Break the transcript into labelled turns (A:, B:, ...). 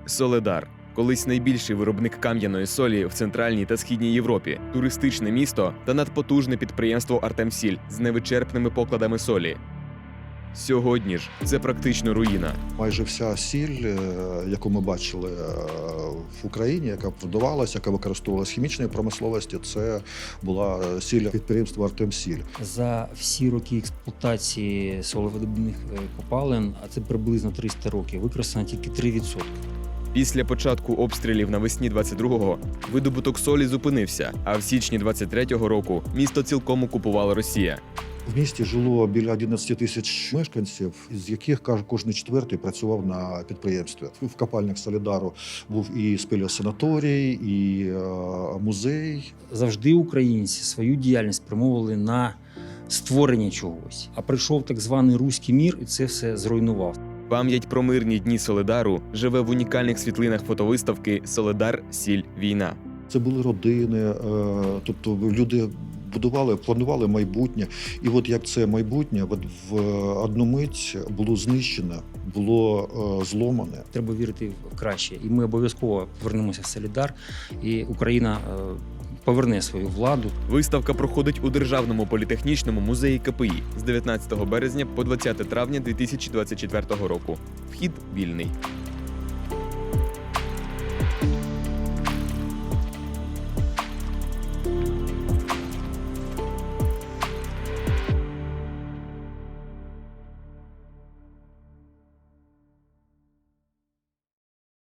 A: Солидар – колись найбільший виробник кам'яної солі в Центральній та Східній Європі, туристичне місто та надпотужне підприємство «Артемсіль» з невичерпними покладами солі. Сьогодні ж це практично руїна.
B: Майже вся сіль, яку ми бачили в Україні, яка продавалася, яка використовувалася в хімічній промисловості, це була сіль підприємства «Артемсіль».
C: За всі роки експлуатації солевидобувних копалин, а це приблизно 300 років, використано тільки 3%.
A: Після початку обстрілів навесні 22-го видобуток солі зупинився, а в січні 23-го року місто цілком окупувала Росія.
B: В місті жило біля 11 тисяч мешканців, з яких кожен четвертий працював на підприємстві. В копальнях «Солідару» був і спелеосанаторій, і музей.
C: Завжди українці свою діяльність спрямовували на створення чогось. А прийшов так званий руський мір і це все зруйнував.
A: Пам'ять про мирні дні Солидару живе в унікальних світлинах фотовиставки «Солидар. Сіль. Війна».
B: Це були родини, тобто люди будували, планували майбутнє. І от як це майбутнє в одну мить було знищене, було зломане.
C: Треба вірити в краще. І ми обов'язково повернемося в Солідар, і Україна поверне свою владу.
A: Виставка проходить у Державному політехнічному музеї КПІ з 19 березня по 20 травня 2024 року. Вхід вільний.